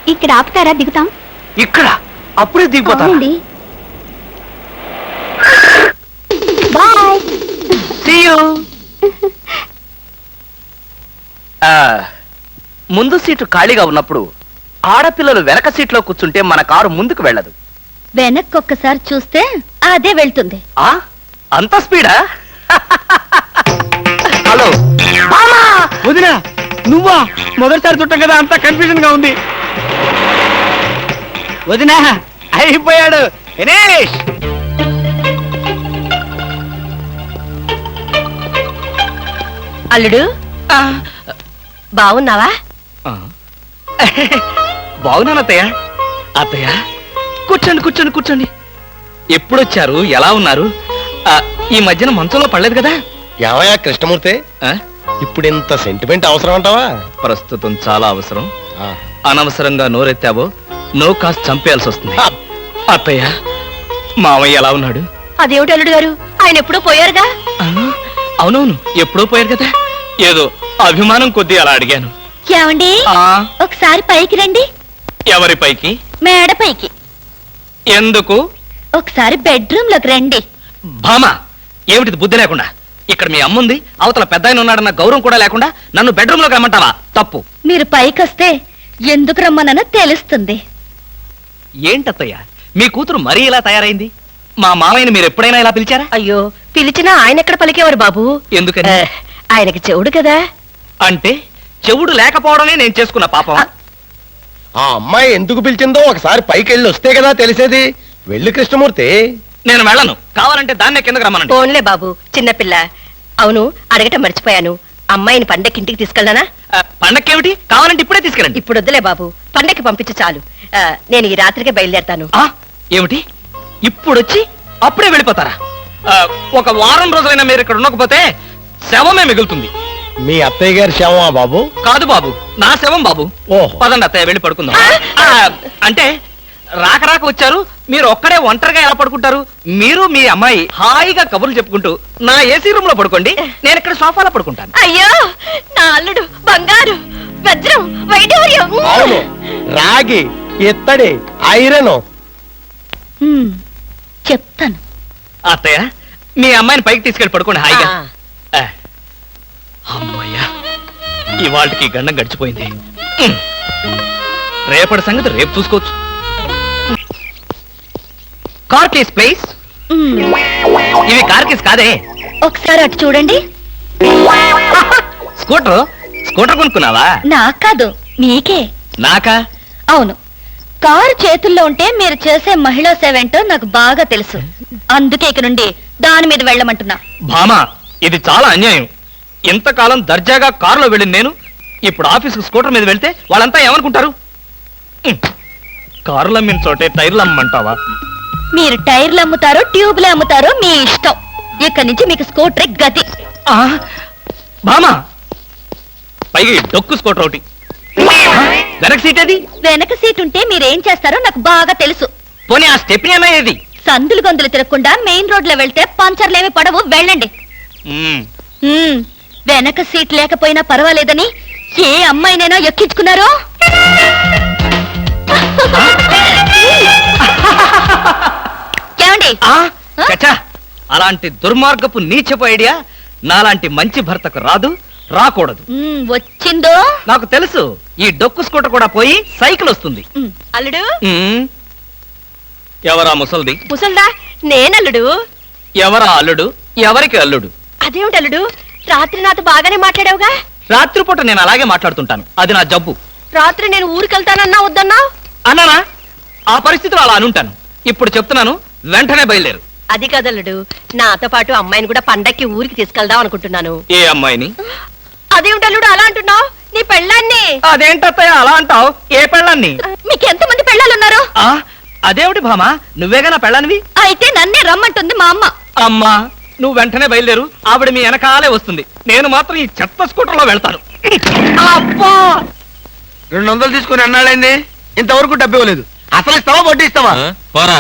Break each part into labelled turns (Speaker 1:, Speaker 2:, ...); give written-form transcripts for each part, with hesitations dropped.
Speaker 1: ఇక్కడ ఆపుతారా? దిగుతాం.
Speaker 2: ఇక్కడ అప్పుడే దిగిపోతాను.
Speaker 1: బాయ్.
Speaker 2: See you. ముందు సీటు ఖాళీగా ఉన్నప్పుడు ఆడపిల్లలు వెనక సీట్లో కూర్చుంటే మన కారు ముందుకు వెళ్ళదు.
Speaker 1: వెనక్కి ఒక్కసారి చూస్తే అదే వెళ్తుంది.
Speaker 2: అంత స్పీడా? హలో
Speaker 3: వదినా, నువ్వా? మొదటిసారి చుట్టం కదా, అంతా కన్ఫ్యూజన్ గా ఉంది. వదినా అయిపోయాడు దినేష్.
Speaker 1: అల్లుడు బాగున్నావా?
Speaker 2: బాగున్నాను అత్తయ్య. అత్తయ్య కూర్చోండి కూర్చోండి కూర్చోండి. ఎప్పుడొచ్చారు? ఎలా ఉన్నారు? ఈ మధ్యన మంచంలో పడలేదు కదా?
Speaker 4: ఏమయ్యా కృష్ణమూర్తి, ఇప్పుడు ఇంత సెంటిమెంట్ అవసరం అంటావా?
Speaker 2: ప్రస్తుతం చాలా అవసరం. అనవసరంగా నోరెత్తావో నో కాస్త చంపేయాల్సి వస్తుంది. అత్తయ్య మామయ్య ఎలా ఉన్నాడు?
Speaker 1: అదేమిటి అల్లుడు గారు, ఆయన ఎప్పుడూ పోయారుగా?
Speaker 2: అవునవును, ఎప్పుడో పోయారు కదా. ఏదో అభిమానం కొద్దీ అలా అడిగాను.
Speaker 1: ఏమండి, ఒకసారి పైకి రండి.
Speaker 2: ఎవరి పైకి?
Speaker 1: మేడ పైకి.
Speaker 2: ఎందుకు?
Speaker 1: ఒకసారి బెడ్రూమ్ లోకి రండి.
Speaker 2: భామా, ఏమిటిది బుద్ధి లేకుండా? ఇక్కడ మీ అమ్ముంది, అవతల పెద్ద ఆయన ఉన్నాడన్న గౌరవం కూడా లేకుండా నన్ను బెడ్రూమ్ లోకి రమ్మంటావా? తప్పు.
Speaker 1: మీరు పైకొస్తే ఎందుకు రమ్మనో తెలుస్తుంది.
Speaker 2: ఏంటత్తయ్య, మీ కూతురు మరీ ఇలా తయారైంది? మా మామయ్యని మీరు ఎప్పుడైనా ఇలా పిలిచారా?
Speaker 1: అయ్యో, పిలిచినా ఆయన ఎక్కడ పలికేవారు బాబు?
Speaker 2: ఎందుకని?
Speaker 1: ఆయనకి చెవుడు కదా.
Speaker 2: అంటే చెవుడు లేకపోవడమే నేను చేసుకున్న పాపం.
Speaker 4: ఆ అమ్మాయి ఎందుకు పిలిచిందో ఒకసారి పైకి వెళ్ళి వస్తే కదా తెలిసేది. వెళ్ళి కృష్ణమూర్తి.
Speaker 2: నేను వెళ్ళను. కావాలంటే దాన్నే కిందకు రమ్మనండి.
Speaker 1: ఫోన్లే బాబు, చిన్నపిల్ల. అవును, అడగటం మర్చిపోయాను. అమ్మాయిని పండక్కి ఇంటికి తీసుకెళ్ళనా?
Speaker 2: పండక్కేమిటి? కావాలంటే ఇప్పుడే తీసుకెళ్ళండి.
Speaker 1: ఇప్పుడు వద్దులే బాబు, పండక్కి పంపించు చాలు. నేను ఈ రాత్రికే బయలుదేరతాను.
Speaker 2: ఏమిటి ఇప్పుడొచ్చి అప్పుడే వెళ్ళిపోతారా? ఒక వారం రోజులైనా మీరు ఇక్కడ ఉండకపోతే శవమే మిగులుతుంది.
Speaker 4: మీ అత్తయ్య గారి శవమా బాబు?
Speaker 2: కాదు బాబు, నా శవం బాబు. పదండి అత్తయ్య, వెళ్ళి పడుకుందాం. అంటే రాక రాక వచ్చారు, మీరు ఒక్కడే ఒంటరిగా ఎలా పడుకుంటారు? మీరు మీ అమ్మాయి హాయిగా కబుర్లు చెప్పుకుంటూ నా ఏసీ రూమ్ లో పడుకోండి, నేను ఇక్కడ సోఫాలో పడుకుంటాను.
Speaker 1: అయ్యో, నా అల్లుడు బంగారు, వజ్రం, వైఢూర్యం.
Speaker 4: అవును, రాగి, ఇత్తడి, ఐరన్.
Speaker 1: చెప్తాను.
Speaker 2: అత్తయ్య, మీ అమ్మాయిని పైకి తీసుకెళ్ళి పడుకోండి హాయిగా. అమ్మయ్యా, ఇవాళకి గండం గడిచిపోయింది. రేపటి సంగతి రేపు చూసుకోవచ్చు. Car case please. ఇవి కార్ కేస్ కాదే.
Speaker 1: ఒకసారి అటు చూడండి.
Speaker 2: స్కూటర్ స్కూటర్ కొనుక్కున్నావా?
Speaker 1: నాకు కాదు, మీకే.
Speaker 2: నాకా?
Speaker 1: అవును, కారు చేతుల్లో ఉంటే మీరు చేసే మహిళా సేవేంటో నాకు బాగా తెలుసు. అందుకే ఇక నుండి దాని మీద వెళ్ళమంటున్నా.
Speaker 2: భామా, ఇది చాలా అన్యాయం. ఇంతకాలం దర్జాగా కారులో వెళ్ళింది నేను, ఇప్పుడు ఆఫీసుకు స్కూటర్ మీద వెళ్తే వాళ్ళంతా ఏమనుకుంటారు? కారులు అమ్మిన చోటే టైర్లు అమ్మంటావా?
Speaker 1: మీరు టైర్లు అమ్ముతారో ట్యూబ్లు అమ్ముతారో మీ ఇష్టం. ఇక్కడి నుంచి మీకు స్కూటర్ గతి.
Speaker 2: భామా, పైగా డొక్కు స్కూటర్ ఒకటి. వెనక సీట్ అది?
Speaker 1: వెనక సీట్ ఉంటే మీరేం చేస్తారో నాకు బాగా తెలుసు.
Speaker 2: పోనీ ఆ స్టెప్నీ అనేది?
Speaker 1: సందులు గొంతులు తిరగకుండా మెయిన్ రోడ్ లో వెళ్తే పంచర్లేమి పడవు, వెళ్ళండి. వెనక సీట్ లేకపోయినా పర్వాలేదని ఏ అమ్మాయినైనా ఎక్కించుకున్నారో? ఏమండి?
Speaker 2: అలాంటి దుర్మార్గపు నీచపు ఐడియా నాలాంటి మంచి భర్తకు రాదు, రాకూడదు.
Speaker 1: వచ్చిందో
Speaker 2: నాకు తెలుసు. ఈ డొక్కు స్కూటర్ కూడా పోయి సైకిల్ వస్తుంది.
Speaker 1: అల్లుడు.
Speaker 2: ఎవరా ముసల్ది?
Speaker 1: ముసల్దా? నేనల్లుడు.
Speaker 2: ఎవరా అల్లుడు? ఎవరికి అల్లుడు?
Speaker 1: అదేమిటి అల్లుడు, రాత్రి నాతో బాగానే మాట్లాడావుగా?
Speaker 2: రాత్రిపూట నేను అలాగే మాట్లాడుతుంటాను, అది నా జబ్బు.
Speaker 1: రాత్రి నేను ఊరికెళ్తానన్నా వద్దన్నా?
Speaker 2: అన్నానా? ఆ పరిస్థితిలో అలా అనుంటాను. ఇప్పుడు చెప్తున్నాను, వెంటనే బయలుదేరు.
Speaker 1: అది కదల్లుడు, నాతో పాటు అమ్మాయిని కూడా పండక్కి ఊరికి తీసుకెళ్దాం అనుకుంటున్నాను.
Speaker 2: ఏ అమ్మాయిని?
Speaker 1: అదేమిటల్లుడు అలా అంటున్నావు? నీ పెళ్ళాన్ని.
Speaker 2: అదేంటత్తయ్య అలా అంటావు? ఏ పెళ్ళాన్ని?
Speaker 1: మీకు ఎంతమంది పెళ్ళాలున్నారు?
Speaker 2: అదేమిటి భామా, నువ్వేగా నా పెళ్ళానివి?
Speaker 1: అయితే నన్నే రమ్మంటుంది మా అమ్మ.
Speaker 2: అమ్మా, నువ్వు వెంటనే బయలుదేరు, ఆవిడ మీ వెనకాలే వస్తుంది. నేను మాత్రం ఈ చెత్త స్కూటర్లో వెళ్తాను.
Speaker 3: అబ్బా, 200 తీసుకుని అన్నాళ్ళైంది, ఇంతవరకు డబ్బు ఇవ్వలేదు. అసలు ఇస్తావా వడ్డీ ఇస్తావా?
Speaker 2: పోరా.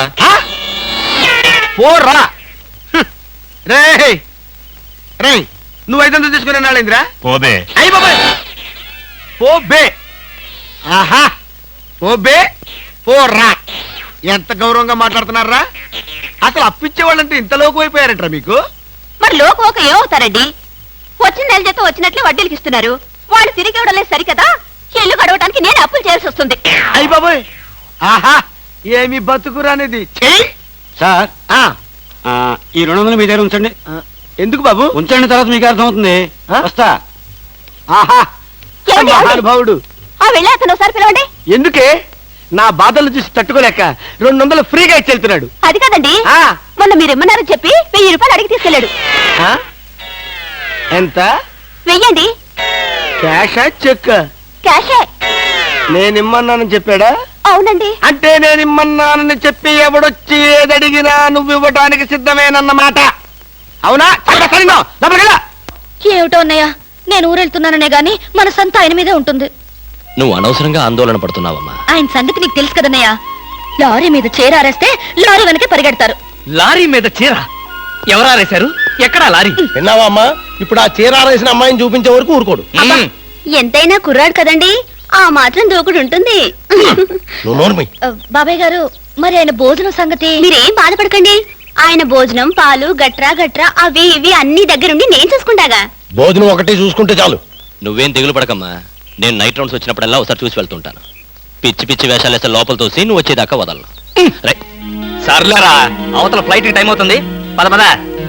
Speaker 3: పోరా రే రే, నువ్వు 500 తీసుకుని అన్నాళ్ళైందిరా?
Speaker 2: పోబే.
Speaker 3: అయ్యి బాబాయ్, పోబే. ఆహా, ఓ బే ఓ రా. ఎంత గౌరవంగా మాట్లాడుతున్నారా? అసలు అప్పిచ్చే వాళ్ళంటే ఇంత లోకు అయిపోయారంటారా మీకు?
Speaker 1: మరి లోపు ఒక ఏమవుతారండి? వచ్చిన నెల జీతం వచ్చినట్లే వడ్డీలకి ఇస్తున్నారు. వాళ్ళు తిరిగి ఇవ్వడం లేదు సరికదా, ఇల్లు గడవడానికి నేను అప్పులు చేయాల్సి వస్తుంది.
Speaker 3: అయ్య బాబోయ్, ఆహా ఏమి బతుకురానిది. చెయ్యి
Speaker 5: సార్
Speaker 3: ఆ,
Speaker 5: ఈ 200 మీ దగ్గర ఉంచండి.
Speaker 3: ఎందుకు బాబు?
Speaker 5: ఉంచండి, తర్వాత మీకు అర్థమవుతుంది.
Speaker 3: ఆ?
Speaker 5: వస్తా.
Speaker 3: ఆహా
Speaker 1: ఏమండి, ఏమండి?
Speaker 3: మహానుభావుడు.
Speaker 1: ఆ వెళ్ళే అతను ఒకసారి పిలవండి.
Speaker 3: ఎందుకే? నా బాధలు చూసి తట్టుకోలేక 200 ఫ్రీగా ఇచ్చి వెళ్తున్నాడు.
Speaker 1: అది కాదండి,
Speaker 3: ఆ,
Speaker 1: మొన్న మీరు ఇమ్మన్నారని చెప్పి 1000 రూపాయలు అడిగి తీసుకెళ్ళాడు.
Speaker 3: ఆ? ఎంత?
Speaker 1: వెయ్యండి.
Speaker 3: క్యాషా చెక్?
Speaker 1: క్యాషే.
Speaker 3: నేనిమ్మన్నానని చెప్పాడా?
Speaker 1: అవునండి.
Speaker 3: అంటే నేనిమ్మన్నానని చెప్పి ఎవడొచ్చి ఏదడిగినా నువ్వు ఇవ్వటానికి సిద్ధమేనన్నమాట. అవునా? చాలా సరిగ్గా. లోపలికి వెళ్ళు.
Speaker 1: ఏమిటో అన్నయ్య, నేను ఊరెళ్తున్నాననే గాని మనసంతా ఆయన మీదే ఉంటుంది.
Speaker 6: నువ్వు అనవసరంగా ఆందోళన పడుతున్నావమ్మా.
Speaker 1: ఆయన సంగతి నీకు తెలుసు కదన్నయ్య. లారీ మీద చేరారేస్తే లారీ వెనకే పరిగెడతారు.
Speaker 2: లారీ మీద చీర ఎవరారేశారు? ఎక్కడా లారీ?
Speaker 4: విన్నావా అమ్మా? ఇప్పుడు ఆ చీర ఆరేసిన అమ్మాయిని చూపించే వరకు ఊరుకోడు.
Speaker 2: మ్మ్.
Speaker 1: ఎంతైనా కుర్రాడు కదండి, ఆ మాత్రం దూకుడు ఉంటుంది.
Speaker 4: నువ్వు నోర్మి.
Speaker 1: బాబాయ్ గారు, మరి ఆయన భోజనం సంగతి? మీరేం బాధపడకండి, ఆయన భోజనం పాలు గట్రా గట్రా అవి ఇవి అన్ని దగ్గరుండి నేను చూసుకుంటాగా.
Speaker 4: భోజనం ఒకటి చూసుకుంటే చాలు.
Speaker 6: నువ్వేం దిగులు పడకమ్మా. నేను నైట్ రౌండ్స్ వచ్చినప్పుడల్లా ఒకసారి చూసి వెళ్తుంటాను. పిచ్చి పిచ్చి వేషాలు వేస్తే లోపల తోసి నువ్వు వచ్చేదాకా వదలను. రై.
Speaker 2: సర్లేరా, అవతల ఫ్లైట్ టైం అవుతుంది. పద పద.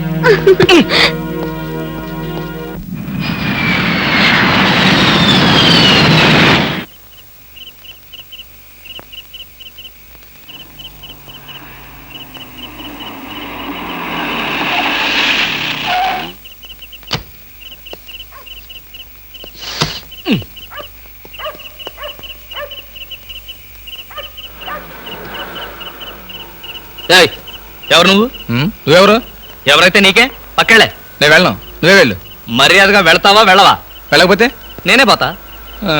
Speaker 2: ఏయ్, ఎవరు నువ్వు?
Speaker 7: నువ్వెవరు?
Speaker 2: ఎవరైతే నీకే, పక్కెళ్ళే.
Speaker 7: నేను వెళ్ళను, నువ్వే వెళ్ళు.
Speaker 2: మర్యాదగా వెళ్తావా వెళ్ళవా?
Speaker 7: వెళ్ళకపోతే
Speaker 2: నేనే పోతా.
Speaker 7: ఆ,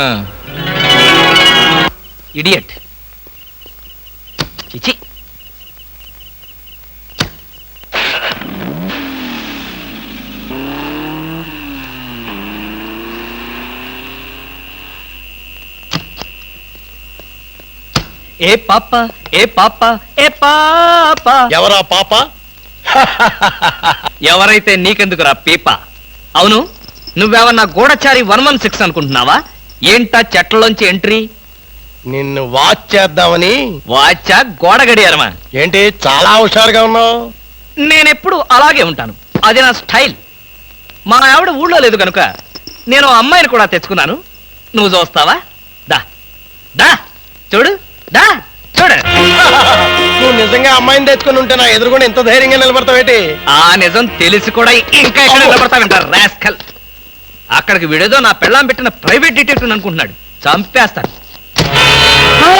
Speaker 2: ఇడియట్. చిచి. ఏ పాప ఏ పాప ఏ పాప.
Speaker 4: ఎవరా పాప?
Speaker 2: ఎవరైతే నీకెందుకురా పీప? అవును, నువ్వేమన్నా గూఢచారి 116 అనుకుంటున్నావా? ఏంటా చెట్లలోంచి ఎంట్రీ?
Speaker 4: నిన్ను వాచ్ చేద్దామని.
Speaker 2: వాచా గోడ గడియారమా?
Speaker 4: ఏంటి చాలా హుషారుగా ఉన్నావు?
Speaker 2: నేనెప్పుడు అలాగే ఉంటాను, అది నా స్టైల్. మా ఆవిడ ఊళ్ళో లేదు కనుక నేను అమ్మాయిని కూడా తెచ్చుకున్నాను. నువ్వు చూస్తావా? దా దా చూడు, దా చూడు.
Speaker 4: నువ్వు నిజంగా అమ్మాయిని తెచ్చుకుని ఉంటే నా ఎదురుకుండా ఎంత ధైర్యంగా నిలబడతావేటి?
Speaker 2: ఆ నిజం తెలిసి కూడా ఇంకా ఎక్కడ నిలబడతావంటారు రాస్కల్. అక్కడికి విడేదో నా పెళ్ళాం పెట్టిన ప్రైవేట్ డిటెక్టివ్ అనుకుంటున్నాడు. చంపేస్తాను.